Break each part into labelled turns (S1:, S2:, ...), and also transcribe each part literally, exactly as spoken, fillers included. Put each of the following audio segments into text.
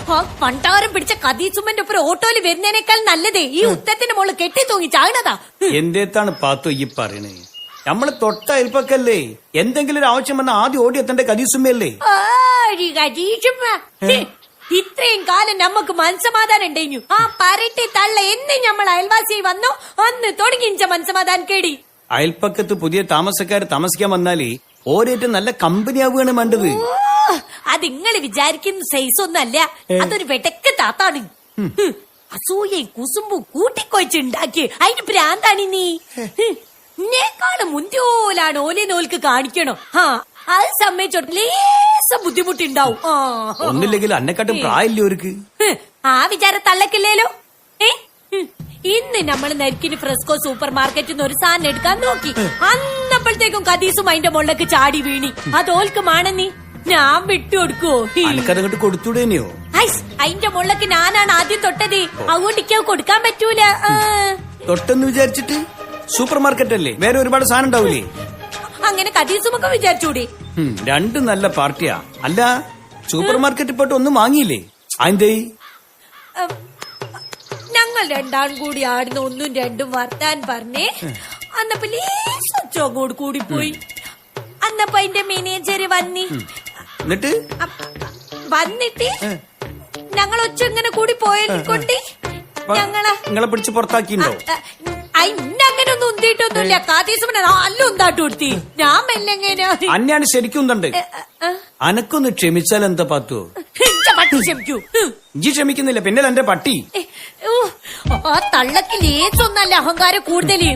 S1: ആ പണ്ടാരം പിടിച്ച കദീസുമ്മന്റെ ഒപ്പം ഓട്ടോയിൽ വരുന്നതിനേക്കാൾ നല്ലതേ ഈ ഉത്തരത്തിന്റെ മോള് കെട്ടി തൂങ്ങി ചാകണതാ.
S2: എന്തേത്താണ് പാത്തോ ഈ പറയണേ? നമ്മള് തൊട്ട അയൽപ്പക്കല്ലേ, എന്തെങ്കിലും ഒരു ആവശ്യം വന്നാൽ ആദ്യം ഓടി എത്തേണ്ട കദീസുമ്മയല്ലേ?
S1: ഇത്രയും കാലം നമുക്ക് മനസ്സമാധാനം ഉണ്ടായിരുന്നു. ആ പരട്ടി തള്ള എന്ന് നമ്മൾ അയൽവാസിയായി വന്നോ അന്ന് തുടങ്ങിച്ച മനസ്സമാധാനം കേടി.
S2: അയൽപ്പക്കത്ത് പുതിയ താമസക്കാര് താമസിക്കാൻ വന്നാലേ ഓരേറ്റം നല്ല കമ്പനി ആവുകയാണ് വേണ്ടത്.
S1: അത് നിങ്ങള് വിചാരിക്കുന്ന സൈസ് ഒന്നല്ല, അതൊരു വെടക്ക് താത്താണ്. അസൂയയും കുസുമ്പും കൂട്ടിക്കൊഴിച്ചുണ്ടാക്കി അതിന് ഭ്രാന്താണ് നീ. എന്നെക്കാളും മുന്തിയോലാണ് ഓലെ നോൽക്ക് കാണിക്കണോ. ആ അത് സമ്മതിച്ചോട്ട് ലേശം ബുദ്ധിമുട്ടുണ്ടാവും.
S2: ഒന്നില്ലെങ്കിൽ അന്നെക്കാട്ടും പ്രായമില്ലേ അവർക്ക്.
S1: ആ വിചാരം തള്ളക്കില്ലേലോ. ഏ ഇന്ന് നമ്മൾ നരിക്കിന് ഫ്രെസ്കോ സൂപ്പർ മാർക്കറ്റിൽ നിന്ന് ഒരു സാധനം എടുക്കാൻ നോക്കി. അന്നപ്പോഴത്തേക്കും കദീസും അതിന്റെ മുകളിലേക്ക് ചാടി വീണി. അതോൽക്ക് മാണെന്നീ ഞാൻ വിട്ടുകൊടുക്കോ?
S2: അനക്കതങ്ങോട്ട് കൊടുത്തൂടേനെയോ?
S1: അതിന്റെ മുകളിലേക്ക് ഞാനാണ് ആദ്യം തൊട്ടത്. അതുകൊണ്ട് ഇക്ക് കൊടുക്കാൻ പറ്റൂല.
S2: തൊട്ടെന്ന് വിചാരിച്ചിട്ട് സൂപ്പർ മാർക്കറ്റ് അല്ലേ, വേറെ ഒരുപാട് സാധനം ഉണ്ടാവൂലേ?
S1: അങ്ങനെ കദീസുമൊക്കെ വിചാരിച്ചൂടെ?
S2: രണ്ടും നല്ല പാർട്ടിയാ. അല്ല സൂപ്പർ മാർക്കറ്റിൽ പോയിട്ട് ഒന്നും വാങ്ങിയില്ലേ? അതിന്റെ
S1: ഞങ്ങൾ രണ്ടാളും കൂടി ആടുന്ന ഒന്നും രണ്ടും വർത്താൻ പറഞ്ഞേ. അന്നപ്പോ ലേശോട് കൂടി പോയി. അന്നപ്പോ അതിന്റെ മാനേജര് വന്നി.
S2: എന്നിട്ട്
S1: വന്നിട്ട് ഞങ്ങൾ ഒച്ച ഇങ്ങനെ കൂടി പോയതിനെക്കൊണ്ട് ഞങ്ങളെ
S2: നിങ്ങളെ പിടിച്ച് പുറത്താക്കിണ്ടോ?
S1: അങ്ങനെ ഒന്നും ഉന്തിയിട്ടൊന്നുമില്ല. കാതീസുമനെ നല്ല ഉന്താട്ട് കൊടുത്തി. ഞാൻ മെല്ലെങ്ങനെ
S2: അന്നെയാണ് ശരിക്കും ഉന്തണ്ട്. അനക്കൊന്ന് ക്ഷമിച്ചാൽ എന്താ പാത്തോ?
S1: പട്ടി ക്ഷമിക്കൂ.
S2: ഇഞ്ചി ക്ഷമിക്കുന്നില്ല, പിന്നെ എന്റെ പട്ടി.
S1: ആ തള്ളക്ക് ലേസൊന്നല്ല അഹങ്കാരം കൂടുതല്.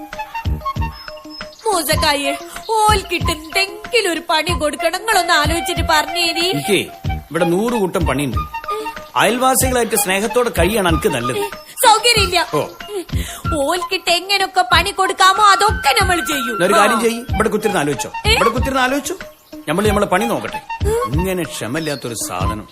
S1: മൂസക്കായെ ഓൽക്കിട്ട് എന്തെങ്കിലും ഒരു പണി കൊടുക്കണം. നിങ്ങളൊന്ന് ആലോചിച്ചിട്ട് പറഞ്ഞേരി.
S2: എനിക്ക് ഇവിടെ നൂറ് കൂട്ടം പണിയുണ്ട്. അയൽവാസികളായിട്ട് സ്നേഹത്തോടെ കഴിയാണ് എനിക്ക് നല്ലത്.
S1: സൗകര്യമില്ല. ഓൽക്കിട്ട് എങ്ങനൊക്കെ പണി കൊടുക്കാമോ അതൊക്കെ നമ്മൾ ചെയ്യും.
S2: ഒരു കാര്യം ചെയ്യും, ഇവിടെ കുത്തിരുന്ന് ആലോചിച്ചോ. ഇവിടെ കുത്തിരുന്ന് ആലോചിച്ചു നമ്മള് നമ്മളെ പണി നോക്കട്ടെ. ഇങ്ങനെ ക്ഷമല്ലാത്തൊരു സാധനം.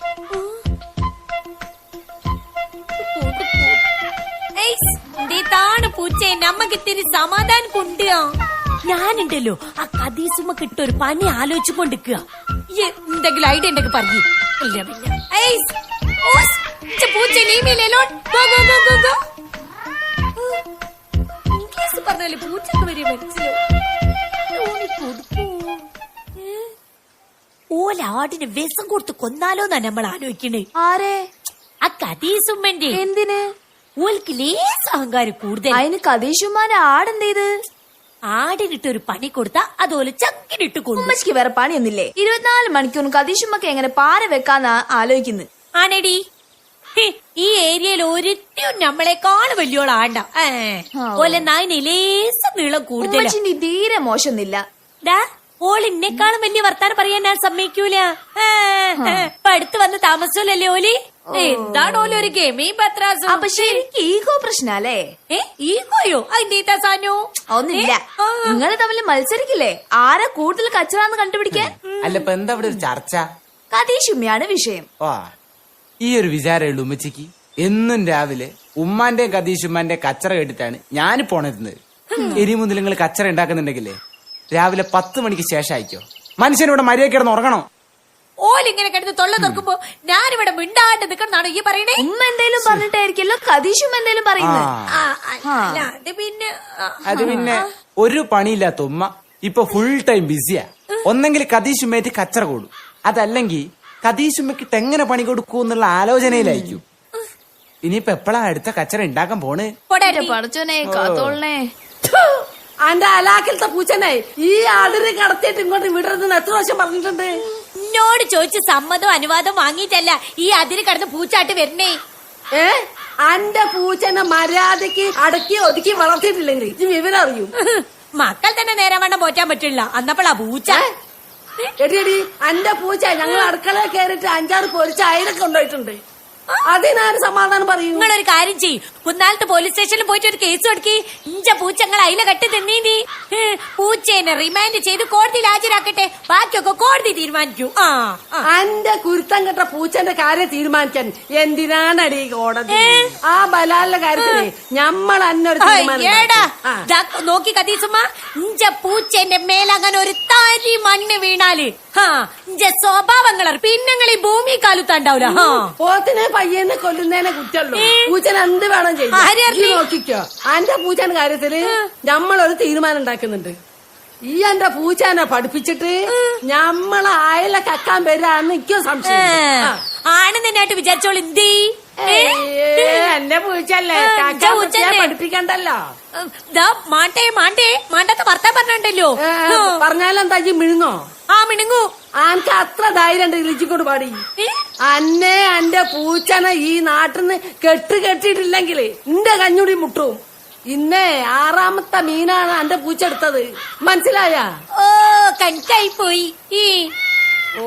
S1: ാണ് പൂച്ചേ നമ്മക്ക് ഇത്തിരി സമാധാനം കൊണ്ടുക. ഞാനുണ്ടല്ലോ ആ കദീസുമ്മ കിട്ടൊരു പണി ആലോചിച്ചു കൊണ്ടിരിക്കുക. എന്തെങ്കിലും ഐഡിയ ഉണ്ടെങ്കിൽ പറഞ്ഞു. ഇല്ല പിന്നെ പൂച്ച നീമില്ലല്ലോ. ഇംഗ്ലീഷ് പറഞ്ഞാല് പൂച്ചക്ക് വരെ മനസ്സിലാവും. ഓലാടിന് വിഷം കൊടുത്ത് കൊന്നാലോന്നാ നമ്മൾ ആലോചിക്കണേ.
S3: ആരെ?
S1: ആ കദീസുമ്മന്റെ.
S3: എന്തിന്?
S1: ഓൽക്ക് ലേസ് അഹങ്കാരം കൂടുതൽ.
S3: അതിന് കദീഷുമാന്റെ ആടെന്തേത്?
S1: ആടിനിട്ട് ഒരു പണി കൊടുത്താ അതുപോലെ ചക്കിനിട്ട് കൊണ്ടു.
S3: ഉമ്മച്ചിക്ക് വേറെ പണിയൊന്നില്ലേ? ഇരുപത്തിനാല് മണിക്കൂറും കദീഷുമ്മക്ക് എങ്ങനെ പാര വെക്കാന്നാ ആലോചിക്കുന്നത്.
S1: ആണെടി ഈ ഏരിയയിൽ ഒരിറ്റും നമ്മളെക്കാളും വലിയോളാണ്ട. ഓലെ നായിന് ലേസം നീളം കൂടുതൽ.
S3: ഉമ്മച്ചിന്റെ തീരെ മോശമൊന്നില്ല.
S1: ഓളിന്നെക്കാളും വലിയ വർത്താനം പറയാൻ ഞാൻ സമ്മതിക്കൂല. ഇപ്പൊ അടുത്ത് വന്ന് താമസമല്ലേ ഓലി? എന്താണ് ഓല ഒരു ഗെമി പത്രാസോ?
S3: അപ്പൊ ശരിക്കും ഈഗോ പ്രശ്നല്ലേ?
S1: ഏ ഈഗോയോ? അതിന്റെ സാനോ
S3: ഒന്നില്ല. നിങ്ങള് തമ്മിൽ മത്സരിക്കില്ലേ ആരാ കൂടുതൽ കച്ചറാന്ന് കണ്ടുപിടിക്കാൻ?
S4: അല്ല ഇപ്പൊ എന്താ ഇവിടെ ഒരു ചർച്ച?
S3: കദീഷുമ്മയാണ് വിഷയം.
S4: ഓ ഈ ഒരു വിചാരമുള്ളൂ ഉമ്മച്ചിക്ക്. എന്നും രാവിലെ ഉമ്മാന്റെയും കദീഷുമ്മാന്റെ കച്ചറ കേട്ടിട്ടാണ് ഞാൻ പോണരുന്നത്. ഇനി മുതൽ നിങ്ങൾ കച്ചറ ഉണ്ടാക്കുന്നുണ്ടെങ്കിലേ രാവിലെ പത്ത് മണിക്ക് ശേഷം അയക്കോ. മനുഷ്യനിവിടെ മര്യാദ കിടന്ന് ഉറങ്ങണോ?
S1: ഓലിങ്ങനെ കിടന്ന് തൊള്ള തുറക്കുമ്പോ ഞാനിവിടെ മിണ്ടാണ്ട് നിക്കണെന്നാണോ ഈ പറയണേ?
S3: ഉമ്മ എന്തേലും പറഞ്ഞിട്ടായിരിക്കല്ലോ കദീഷുമ്മ എന്തേലും പറയുന്നത്.
S1: അത് പിന്നെ
S4: അത് പിന്നെ ഒരു പണിയില്ലാത്ത ഉമ്മ ഇപ്പൊ ഫുൾ ടൈം ബിസിയാ. ഒന്നെങ്കിൽ കദീഷുമ്മേറ്റ് കച്ചറ കൂടും, അതല്ലെങ്കിൽ കദീഷുമ്മക്കിട്ട് എങ്ങനെ പണി കൊടുക്കൂ എന്നുള്ള ആലോചനയിലായിരിക്കും. ഇനിയിപ്പൊ എപ്പോഴാ അടുത്ത കച്ചറ ഉണ്ടാക്കാൻ പോണ്?
S3: പടച്ചോനെ കാത്തോളനെ.
S5: അന്റെ അലാക്കിലത്തെ പൂച്ചനെ ഈ ആടിനെ കടത്തിയിട്ട് ഇങ്ങോട്ട് വിടരുതെന്ന് എത്ര പ്രാവശ്യം പറഞ്ഞിട്ടുണ്ട്?
S1: എന്നോട് ചോദിച്ച് സമ്മതവും അനുവാദം വാങ്ങിയിട്ടല്ല ഈ അതിര് കടന്ന് പൂച്ചാട്ട് വരണേ.
S5: ഏ അന്റെ പൂച്ചനെ മര്യാദക്ക് അടക്കി ഒതുക്കി വളർത്തിയിട്ടില്ലെങ്കിൽ ഇത് വിവരം അറിയും.
S1: മക്കൾ തന്നെ നേരം വേണ്ട പോറ്റാൻ പറ്റില്ല. അന്നപ്പോഴാ പൂച്ച.
S5: എടി എടി അന്റെ പൂച്ച ഞങ്ങൾ അടുക്കളയിൽ കയറിയിട്ട് അഞ്ചാറ് പൊരിച്ച അയിലൊക്കെ കൊണ്ടുപോയിട്ടുണ്ട്. അതിനാര് സമാധാനം പറയൂ?
S1: നിങ്ങളൊരു കാര്യം ചെയ്യും കുന്നാലത്ത് പോലീസ് സ്റ്റേഷനിൽ പോയിട്ട് ഒരു കേസ് കൊടുക്കി ഇഞ്ച പൂച്ചങ്ങൾ അയില കെട്ടി തിന്നീനി പൂച്ചേനെ റിമാൻഡ് ചെയ്ത് കോടതിയിൽ ഹാജരാക്കട്ടെ ബാക്കിയൊക്കെ കോടതി തീരുമാനിക്കൂ. ആ ആ.
S5: അന്റെ കുരുത്തം കെട്ട പൂച്ചന്റെ കാര്യം തീരുമാനിക്കാൻ എന്തിനാണടി കോടതി? ആ ബലാലിന്റെ കാര്യത്തിന് ഞമ്മൾ അന്നൊരു തീരുമാനം
S1: ഏടാ
S5: ഉണ്ടാക്കി. ആ.
S1: ദാ നോക്കി കതീസുമ്മ ഇഞ്ച പൂച്ചേന്റെ മേലങ്ങനെ ഒരു തരി മണ്ണ് വീണാല് ഹാ ഇഞ്ച സ്വഭാവങ്ങൾ പിന്നങ്ങൾ ഈ ഭൂമി കാലുത്താണ്ടാവൂല. ഹാ
S5: പോത്തിനെ പയ്യനെ കൊല്ലുന്നതിനെ കുറ്റമുള്ളൂ. പൂച്ചനെ എന്ത് വേണം
S1: ആര്
S5: ചെയ്യാം.
S1: അറിഞ്ഞു?
S5: ഈ നോക്കിക്കോ അന്റെ പൂച്ചന്റെ കാര്യത്തില് ഞമ്മളൊരു തീരുമാനം ഉണ്ടാക്കുന്നുണ്ട്. ഈ എന്റെ പൂച്ചനെ പഠിപ്പിച്ചിട്ട് ഞമ്മളെ അയല കക്കാൻ വരാന്ന് എനിക്കോ സംശയം. ആ.
S1: ആണ് നിന്നായിട്ട് വിചാരിച്ചോളൂ എന്തേ
S5: ഏയ്, എന്റെ പൂച്ചല്ലേ
S1: ആ,
S5: കക്കാൻ
S1: ഇജ്ജ
S5: കുത്തിയാ
S1: പൂച്ചന്നെ.
S5: പഠിപ്പിക്കണ്ടല്ലോ.
S1: ദാ മാണ്ടേ മാണ്ടേ മാണ്ടത്തെ വർത്താൻ പറഞ്ഞിട്ടല്ലോ.
S5: ഏ, പറഞ്ഞാലെന്താ ഈ മിഴുങ്ങോ?
S1: ആ മിണുങ്ങു
S5: ആനക്ക് അത്ര ധൈര്യം ഉണ്ട് ഇളിച്ചിക്കൊണ്ട് പാടി.
S1: ഏ?
S5: അന്നെ എന്റെ പൂച്ചനെ ഈ നാട്ടിന്ന് കെട്ട് കെട്ടിയിട്ടില്ലെങ്കില് എന്റെ കഞ്ഞുടി മുട്ടും. ഇന്നേ ആറാമത്തെ മീനാണ് എന്റെ പൂച്ച എടുത്തത്. മനസ്സിലായ?
S1: ഓ കണക്കായി പോയി ഈ
S5: ഓ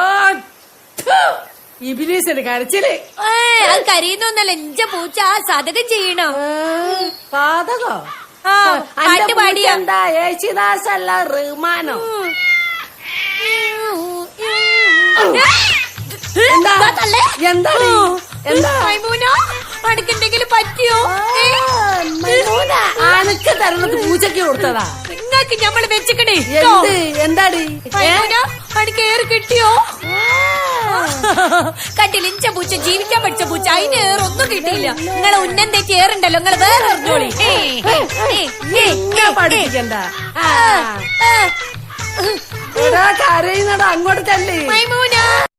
S5: ഇബിലീസിന് കരച്ചില്.
S1: ഏ, അത് കരയുന്നൊന്നല്ല ഇഞ്ച പൂച്ച ആ സതകം ചെയ്യണം.
S5: ഏ, പാതകോ?
S1: ആ
S5: അന്റെ
S1: പാട്ട്
S5: പൂച്ച
S1: പാടിയ
S5: എന്താ യേശുദാസല്ല റഹ്മാനോ? എന്താ? എന്താണ്? എന്താ?
S1: അടുക്കെന്തെങ്കിലും പറ്റിയോ? ഏ?
S5: ആനക്ക് തരണത് പൂച്ചക്ക് കൊടുത്തതാ.
S1: നിങ്ങക്ക് ഞമ്മള് വെച്ചിക്കണേ
S5: എന്ത്? എന്താടി? ഏ?
S1: അടുക്കേറ് കിട്ടിയോ? കണ്ടില്ല ഇഞ്ച പൂച്ച ജീവിക്കാൻ പഠിച്ച പൂച്ച അതിന് ഏറൊന്നും കിട്ടിയില്ല. നിങ്ങളെ ഉന്നം തെറ്റി ഏറുണ്ടല്ലോ നിങ്ങള് വേറെ അറിഞ്ഞോളി. ഏ, ഏ, ഏ, ഏ,
S5: ഇന്നെ പഠിപ്പിക്കണ്ട.
S1: ആ, ആ.
S5: എടാ കരയുന്നടാ അങ്ങോട്ട് തള്ളി.
S1: മൈമൂന